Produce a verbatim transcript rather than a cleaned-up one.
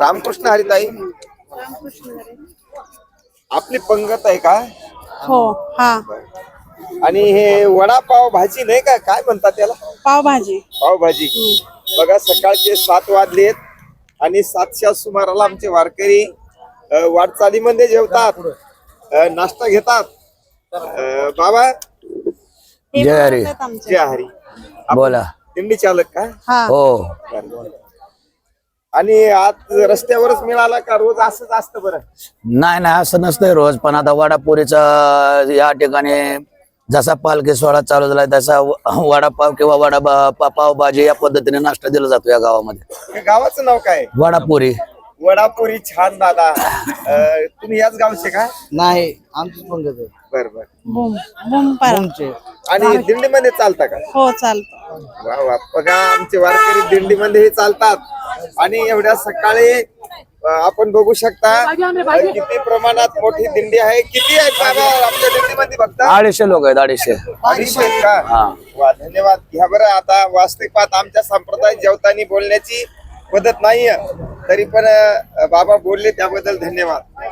रामकृष्ण हरिताई, आपली पंगत आहे का? हो. हा. आणि हे वडापाव भाजी नाही का, काय म्हणतात त्याला? पावभाजी. पावभाजी. बघा सकाळचे सात वाजलेत आणि सातच्या सुमाराला आमचे वारकरी अ, वाटचालीमध्ये जेवतात, अ, नाश्ता घेतात. अ, बाबा हे जय हरी. बनवतात आमचे. जय हरी. आपण बोला. दिंडी चालक का? हा. हो. आणि आज रस्त्यावरच मिळाला का रोज असंच असतं? बरं नाही नाही असं नसतंय रोज, पण आता वडापुरीचा या ठिकाणी जसा पालखी सोहळा चालू झाला तसा व- वडापाव किंवा वडा पा- पावभाजी या पद्धतीने नाश्ता दिला जातो या गावामध्ये. हे गावाचं नाव काय? वडापुरी. वडापुरी. छान दादा. अ, तुम्ही याच गावचे का? नाही, आमचीच पंगत आहे. बर बर. बुम बुम पारा. तुमचे आणि दिंडीमध्ये चालता का? हो चालतं. वा वा. बघा आमचे वारकरी दिंडीमध्ये चालतात आणि एवढ्या सकाळी अ, आपण बघू शकता अ, किती प्रमाणात मोठी दिंडी आहे. किती आहेत बाबा आपल्या दिंडीमध्ये? फक्त अडीचशे लोक आहेत, अडीचशे. अडीचशे आहेत का? हा. वा, धन्यवाद. घ्या बरं. आता वास्तविक पाहत आमच्या संप्रदायात जेवताना बोलण्याची पद्धत नाहीये, तरी पण अ, बाबा बोलले त्याबद्दल धन्यवाद.